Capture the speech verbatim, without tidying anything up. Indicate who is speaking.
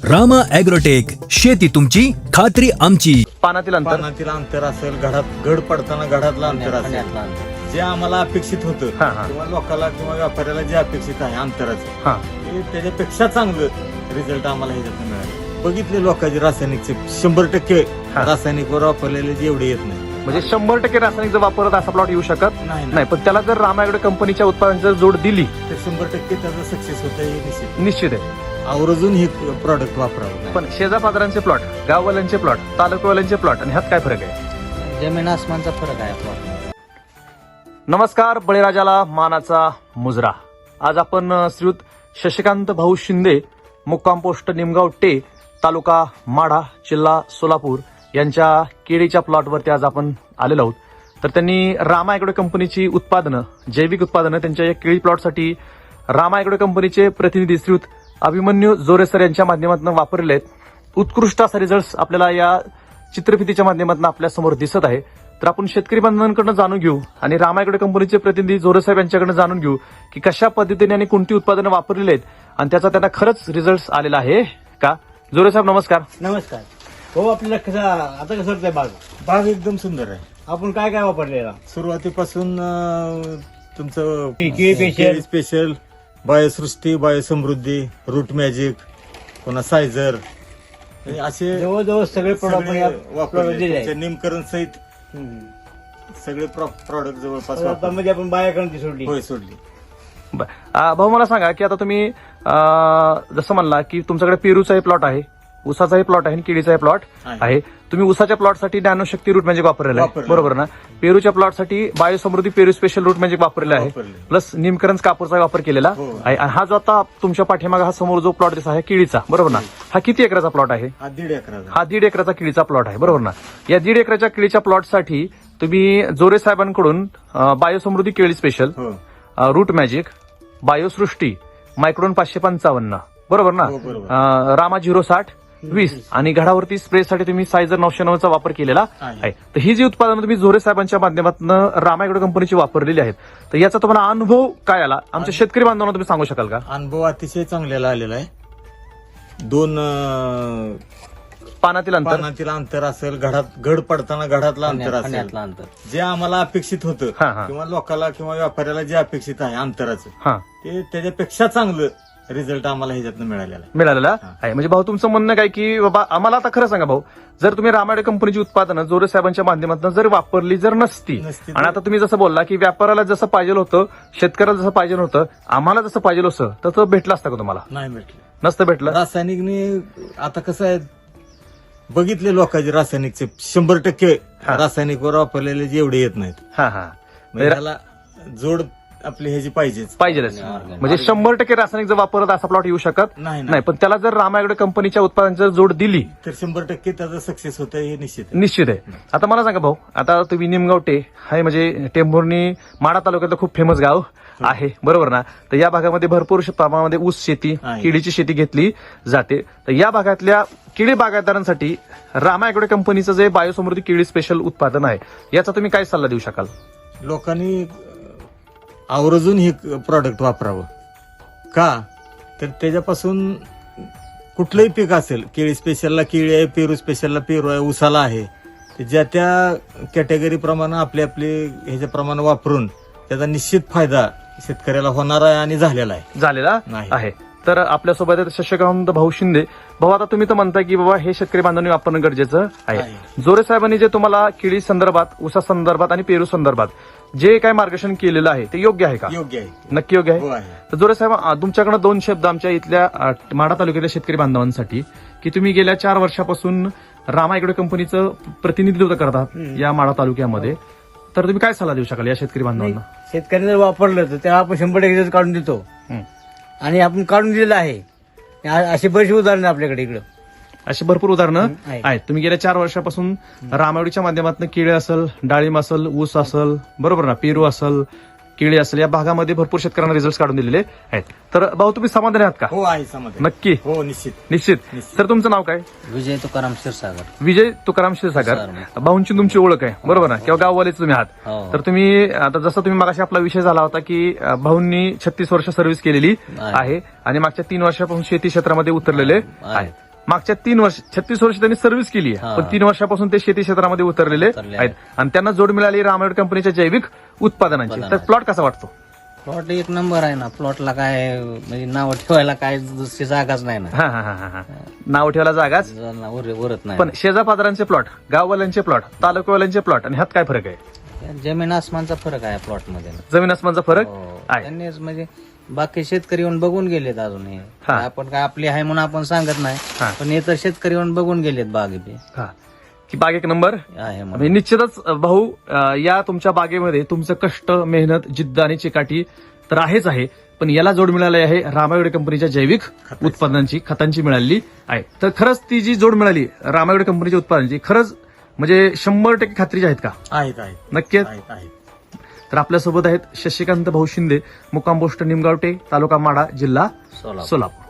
Speaker 1: Rama agrotech, शेती तुमची खात्री आमची.
Speaker 2: पानातील अंतर
Speaker 3: पानातील अंतर असेल, घडात घड पडताना घडातलं अंतर असेल, जे आम्हाला अपेक्षित होतं
Speaker 2: हा, हा.
Speaker 3: किंवा लोकांना किंवा व्यापाऱ्याला जे अपेक्षित आहे अंतराचं,
Speaker 2: हा
Speaker 3: ते त्याच्यापेक्षा चांगलं रिझल्ट आम्हाला ह्याच्यात मिळाले. बघितले लोकांचे रासायनिकचे शंभर टक्के
Speaker 2: हा.
Speaker 3: रासायनिकवर वापरलेले जेवढे येत नाही.
Speaker 2: म्हणजे शंभर टक्के रासायनिक जर वापरत असा प्लॉट येऊ शकत
Speaker 3: नाही
Speaker 2: नाही, पण त्याला जर रामा ॲग्रो कंपनीच्या उत्पादनाची जर जोड दिली
Speaker 3: तर शंभर टक्के त्याचं सक्सेस होतं हे निश्चित.
Speaker 2: निश्चित आहे.
Speaker 3: आवर्जून हे प्रॉडक्ट वापरावं.
Speaker 2: पण शेजा पाजारांचे प्लॉट, गाववाल्यांचे प्लॉट, तालुकावाल्यांचे प्लॉट आणि ह्यात काय फरक आहे?
Speaker 4: जमीन आसमानचा फरक आहे आपला.
Speaker 2: नमस्कार, बळीराजाला मानाचा मुजरा. आज आपण अ, श्रीयुत शशिकांत भाऊ शिंदे, मुक्काम पोस्ट निमगाव टे, तालुका माढा, जिल्हा सोलापूर यांच्या केळीच्या प्लॉटवरती आज आपण आलेलो आहोत. तर त्यांनी रामा ॲग्रो कंपनीची उत्पादनं, जैविक उत्पादनं त्यांच्या या केळी प्लॉटसाठी रामा ॲग्रो कंपनीचे प्रतिनिधी श्रीयुत अभिमन्यू जोरेसर यांच्या माध्यमातून वापरलेले आहेत. उत्कृष्ट असा रिझल्ट आपल्याला या चित्रफितीच्या माध्यमातून आपल्या समोर दिसत आहे. तर आपण शेतकरी बांधवांकडून जाणून घेऊ आणि रामा ॲग्रो कंपनीचे प्रतिनिधी जोरेसाहेब यांच्याकडून जाणून घेऊ की कशा पद्धतीने आणि कोणती उत्पादनं वापरलेली आहेत आणि त्याचा त्यांना खरंच रिझल्ट आलेला आहे का. जोरेसाहेब नमस्कार.
Speaker 4: नमस्कार. हो, आपल्याला कसं आता कसं वाटतंय बाग?
Speaker 3: बाग एकदम सुंदर आहे.
Speaker 4: आपण काय काय वापरलेला?
Speaker 3: सुरुवातीपासून अं, तुमचं
Speaker 4: केळी स्पेशल.
Speaker 3: केळी special, Biosrushti, Biosamruddhi, root magic, पुन्हा सायझर, असे
Speaker 4: जवळजवळ सगळे प्रोडक्ट
Speaker 3: सगळे वापरले.
Speaker 4: दिले
Speaker 3: तुमच्या निमकरण सहित सगळे प्रॉडक्ट जवळपास वापरले.
Speaker 4: मध्ये आपण बाया करून सोडली.
Speaker 3: होय, सोडली.
Speaker 2: बर. अ, भाऊ मला सांगा की आता तुम्ही अ, जसं म्हणला की तुमच्याकडे पेरूचाही प्लॉट आहे, उसाचाही प्लॉट आहे आणि केळीचाही प्लॉट
Speaker 3: आहे.
Speaker 2: आहे. तुम्ही उसाच्या प्लॉटसाठी नॅनोशक्ती रूट मॅजिक वापरलेलं आहे,
Speaker 3: वापरलेलं.
Speaker 2: बरोबर ना? पेरूच्या प्लॉटसाठी बायोसमृद्धी पेरू स्पेशल रूट मॅजिक वापरलेला आहे,
Speaker 3: वापरले.
Speaker 2: प्लस निमकरंज कापूरचा वापर केलेला
Speaker 3: हो.
Speaker 2: आहे. आणि हा जो आता तुमच्या पाठीमागा हा समोर जो प्लॉट दिसत आहे केळीचा, बरोबर ना? हा किती एकराचा प्लॉट आहे?
Speaker 3: हा दीड एकराचा.
Speaker 2: हा दीड एकराचा केळीचा प्लॉट आहे, बरोबर ना? या दीड एकराच्या केळीच्या प्लॉटसाठी तुम्ही जोरे साहेबांकडून अ, बायोसमृद्धी केळी स्पेशल,
Speaker 3: हो,
Speaker 2: अ, रूट मॅजिक, बायोसृष्टी, मायक्रोन पाचशे पंचावन्न, बरोबर ना?
Speaker 3: हो, बरोबर.
Speaker 2: अ, रामा झिरो साठ वीस आणि घडावरती स्प्रेसाठी तुम्ही सायझर नऊशे नऊचा वापर केलेला
Speaker 3: आहे.
Speaker 2: आहे. तर ही जी उत्पादनं तुम्ही जोरे साहेबांच्या माध्यमातून रामा ॲग्रो कंपनीची वापरलेली आहेत, तर याचा तुम्हाला अनुभव काय आला आमच्या शेतकरी बांधवांना तुम्ही सांगू शकाल का?
Speaker 3: अनुभव अतिशय चांगलेला आलेला आहे. दोन अं,
Speaker 2: पानातील अंतर
Speaker 3: पानातील अंतर असेल, घडात घड पडताना घडातलं अंतर असेल,
Speaker 4: फण्यातलं अंतर.
Speaker 3: जे आम्हाला अपेक्षित होतं
Speaker 2: हा, हा.
Speaker 3: किंवा लोकांना किंवा व्यापाऱ्याला जे अपेक्षित आहे अंतराचं,
Speaker 2: हा
Speaker 3: ते त्याच्यापेक्षा चांगलं रिझल्ट आम्हाला ह्याच्यातनं मिळालेला आहे.
Speaker 2: मिळालेला
Speaker 3: हा.
Speaker 2: आहे. म्हणजे भाऊ तुमचं म्हणणं काय की बाबा आम्हाला आता खरं सांगा भाऊ, जर तुम्ही रामा ॲग्रो कंपनीची उत्पादनं जोरे साहेबांच्या माध्यमातून जर वापरली जर नसती
Speaker 3: नसती तर-
Speaker 2: आणि आता तुम्ही जसं बोलला की व्यापाऱ्याला जसं पाहिजे होतं, शेतकऱ्याला जसं पाहिजे होतं, आम्हाला जसं पाहिजे होतं, तर तो भेटलं असतं का तुम्हाला?
Speaker 3: नाही भेटलं.
Speaker 2: नसतं भेटलं.
Speaker 3: रासायनिकने आता कसं आहे, बघितले लोकांचे रासायनिकचे शंभर टक्के
Speaker 2: हा.
Speaker 3: रासायनिकवर वापरलेले जेवढे येत नाहीत.
Speaker 2: हा हा
Speaker 3: म्हणजे त्याला जोड आपली ह्याची पाहिजेच.
Speaker 2: पाहिजेच. म्हणजे शंभर टक्के रासायनिक जर वापरत असा प्लॉट येऊ शकत
Speaker 3: नाही
Speaker 2: नाही, पण त्याला जर रामा ॲग्रो कंपनीच्या उत्पादनाची जर जोड दिली
Speaker 3: तर शंभर टक्के त्याचं सक्सेस होतं हे निश्चित आहे.
Speaker 2: निश्चित आहे. आता मला सांगा भाऊ, आता तुम्ही निमगाव टे आहे म्हणजे टेंभुर्णी माढा तालुक्यातलं खूप फेमस गाव आहे, बरोबर ना? तर या भागामध्ये भरपूर प्रमाणामध्ये ऊस शेती,
Speaker 3: आहे.
Speaker 2: केळीची शेती घेतली जाते. तर या भागातल्या केळी बागायतदारांसाठी रामा ॲग्रो कंपनीचं जे बायोसमृद्धी केळी स्पेशल उत्पादन आहे, याचा तुम्ही काय सल्ला देऊ शकाल?
Speaker 3: लोकांनी आवर्जून हे प्रॉडक्ट वापरावं. का तर त्याच्यापासून कुठलंही पीक असेल, केळी स्पेशलला केळी आहे, पेरू स्पेशलला पेरू आहे, उसाला आहे, ते ज्या त्या कॅटेगरी प्रमाणे आपले आपले ह्याच्याप्रमाणे वापरून त्याचा निश्चित फायदा शेतकऱ्याला होणार आहे आणि झालेला आहे.
Speaker 2: झालेला
Speaker 3: नाही.
Speaker 2: आहे. तर आपल्यासोबत आहेत शशिकांत भाऊ शिंदे. भाऊ, आता तुम्ही तर म्हणताय की बाबा हे शेतकरी बांधवांनी वापरणं गरजेचं आहे.
Speaker 3: आहे.
Speaker 2: जोरे साहेबांनी जे तुम्हाला केळी संदर्भात, उसा संदर्भात आणि पेरू संदर्भात जे काय मार्गदर्शन केलेलं आहे ते योग्य आहे का?
Speaker 3: योग्य आहे.
Speaker 2: नक्की योग्य
Speaker 3: हो
Speaker 2: आहे.
Speaker 3: आहे.
Speaker 2: तर जोरे साहेब, अ, तुमच्याकडे दोन शब्द आमच्या इथल्या अ, माढा तालुक्यातल्या शेतकरी बांधवांसाठी, की तुम्ही गेल्या चार वर्षापासून रामा ॲग्रो कंपनीचं प्रतिनिधित्व करतात या माढा तालुक्यामध्ये, तर तुम्ही काय सल्ला देऊ शकाल या शेतकरी बांधवांना?
Speaker 4: शेतकऱ्याने जर वापरलं तर त्याला आपण शंभर टक्के result काढून देतो
Speaker 2: हं.
Speaker 4: आणि आपण काढून दिलेलं आहे. आ- अशी बरीचशी उदाहरणं आपल्याकडे इकडं.
Speaker 2: अशी भरपूर उदाहरणं
Speaker 4: आहेत.
Speaker 2: आहेत. तुम्ही गेल्या चार वर्षापासून रामावडीच्या माध्यमातून केळी असेल, डाळिंब असेल, ऊस असेल, बरोबर ना, पेरू असेल, केळी असेल, या भागामध्ये भरपूर शेतकऱ्यांना रिझल्ट काढून दिलेले आहेत. तर भाऊ, तुम्ही समाधानी आहात का?
Speaker 3: हो आहे समाधान.
Speaker 2: नक्की.
Speaker 3: हो निश्चित.
Speaker 2: निश्चित.
Speaker 3: निश्चित.
Speaker 2: तर तुमचं नाव काय?
Speaker 4: विजय तुकाराम क्षीरसागर.
Speaker 2: विजय तुकाराम क्षीरसागर. भाऊंची तुमची ओळख आहे, बरोबर ना? किंवा गाववालेच तुम्ही आहात.
Speaker 4: हो.
Speaker 2: तर तुम्ही आता जसं तुम्ही मागाशी आपला विषय झाला होता की अ, भाऊंनी छत्तीस वर्ष सर्व्हिस केलेली
Speaker 4: आहे.
Speaker 2: आहे आणि मागच्या तीन वर्षापासून शेती क्षेत्रामध्ये उतरलेले आहेत. मागच्या तीन वर्ष छत्तीस वर्ष त्यांनी सर्व्हिस केली आहे
Speaker 4: हा.
Speaker 2: पण तीन वर्षापासून ते शेती क्षेत्रामध्ये उतरलेले
Speaker 4: उतरले
Speaker 2: आहेत आणि त्यांना जोड मिळाली रामायण कंपनीच्या जैविक उत्पादनांची. तर
Speaker 4: उत्पादनाची.
Speaker 2: प्लॉट कसा वाटतो?
Speaker 4: प्लॉट एक नंबर आहे ना. प्लॉटला काय म्हणजे नाव ठेवायला काय दुसरी जागाच नाही ना.
Speaker 2: हा हा हा हा हा. नाव ठेवायला जागाच.
Speaker 4: उर- उरत नाही.
Speaker 2: पण शेजापाजारांचे प्लॉट, गाववाल्यांचे प्लॉट, तालुकावाल्यांचे प्लॉट आणि ह्यात काय फरक आहे?
Speaker 4: जमीन आसमानचा फरक आहे प्लॉट मध्ये ना.
Speaker 2: जमीन आसमानचा फरक
Speaker 4: हो.
Speaker 2: आहे.
Speaker 4: त्यांनीच म्हणजे बाकी शेतकरी येऊन बघून गेलेत अजून हे.
Speaker 2: हा.
Speaker 4: आपण काय आपली आहे म्हणून आपण सांगत नाही
Speaker 2: हा.
Speaker 4: पण हे तर शेतकरी येऊन बघून गेलेत बागे बी
Speaker 2: हा. की बाग एक नंबर
Speaker 4: आहे
Speaker 2: म्हणजे
Speaker 4: म्हणून.
Speaker 2: निश्चितच भाऊ अं, या तुमच्या बागेमध्ये तुमचं कष्ट, मेहनत, जिद्द आणि चिकाटी तर आहेच आहे पण याला जोड मिळाली आहे रामायण कंपनीच्या जैविक उत्पादनांची, खतांची मिळाली आहे. तर खरंच ती जी जोड मिळाली रामायण कंपनीच्या उत्पादनांची खरंच म्हणजे शंभर टक्के खात्रीची आहेत का?
Speaker 3: आहेत आहेत
Speaker 2: नक्कीच.
Speaker 3: आहेत आहेत
Speaker 2: तर आपल्यासोबत आहेत शशिकांत भाऊ शिंदे, मुक्काम पोस्ट निमगावटे, तालुका माढा, जिल्हा
Speaker 4: सोलापूर.
Speaker 2: सोलापूर.